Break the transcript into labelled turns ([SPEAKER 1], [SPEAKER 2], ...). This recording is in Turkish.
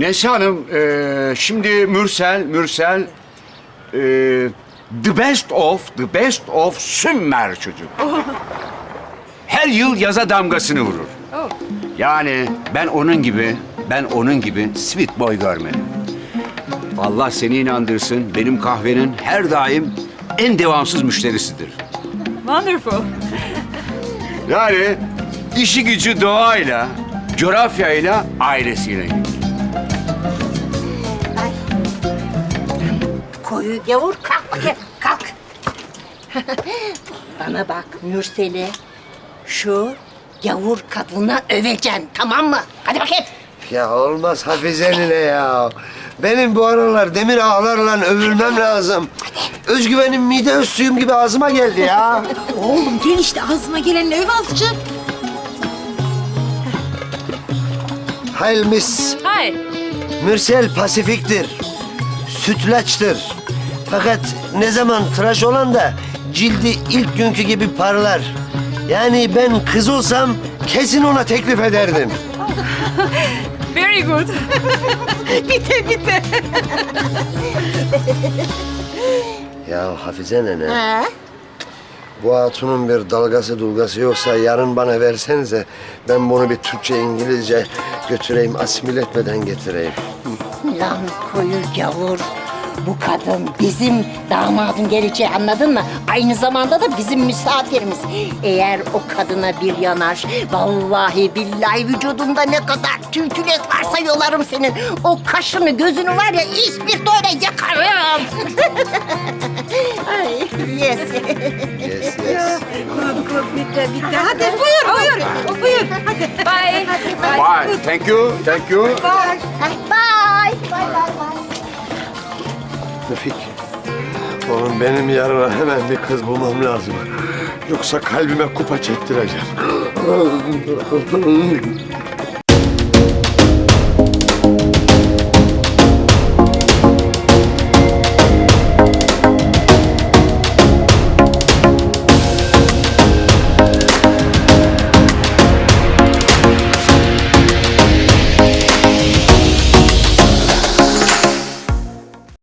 [SPEAKER 1] Neslihan Hanım, şimdi Mürsel, the best of Sümer çocuk. Her yıl yaza damgasını vurur. Yani ben onun gibi sweet boy görmedim. Allah seni inandırsın, benim kahvenin her daim en devamsız müşterisidir.
[SPEAKER 2] Wonderful.
[SPEAKER 1] Yani işi gücü doğayla, coğrafyayla, ailesiyle.
[SPEAKER 3] Koyu gavur kalk bakayım, kalk. Bana bak Mürsel'i şu gavur kadına öveceksin, tamam mı? Hadi bakayım.
[SPEAKER 4] Ya olmaz Hafize nene ya. Benim bu aralar demir ağlarla övülmem lazım. Özgüvenim mide öz gibi ağzıma geldi ya.
[SPEAKER 5] Oğlum gel işte ağzına geleni öv azıcık.
[SPEAKER 4] Hayır Miss.
[SPEAKER 2] Hi.
[SPEAKER 4] Mürsel pasifiktir. Sütlaçtır. Fakat ne zaman tıraş olan da cildi ilk günkü gibi parlar. Yani ben kız olsam kesin ona teklif ederdim.
[SPEAKER 2] Very good.
[SPEAKER 5] Bite.
[SPEAKER 4] Ya Hafize nene,
[SPEAKER 3] Ha?
[SPEAKER 4] bu hatunun bir dalgası dulgası yoksa yarın bana versenize. Ben bunu bir Türkçe, İngilizce götüreyim, asimile etmeden getireyim.
[SPEAKER 3] Lan koyu gavur. Bu kadın bizim damadın geleceği, anladın mı? Aynı zamanda da bizim misafirimiz. Eğer o kadına bir yanar, vallahi billahi vücudunda ne kadar tültület varsa yolarım senin. O kaşını gözünü var ya ispirtoyla yakarım. Ay, yes.
[SPEAKER 4] Yes, yes.
[SPEAKER 5] Bitti. Hadi buyur. Buyur. Hadi.
[SPEAKER 2] Bye.
[SPEAKER 1] Bye, thank you.
[SPEAKER 3] Bye. Bye.
[SPEAKER 4] Müfik, oğlum benim yarına hemen bir kız bulmam lazım. Yoksa kalbime kupa çektireceğim.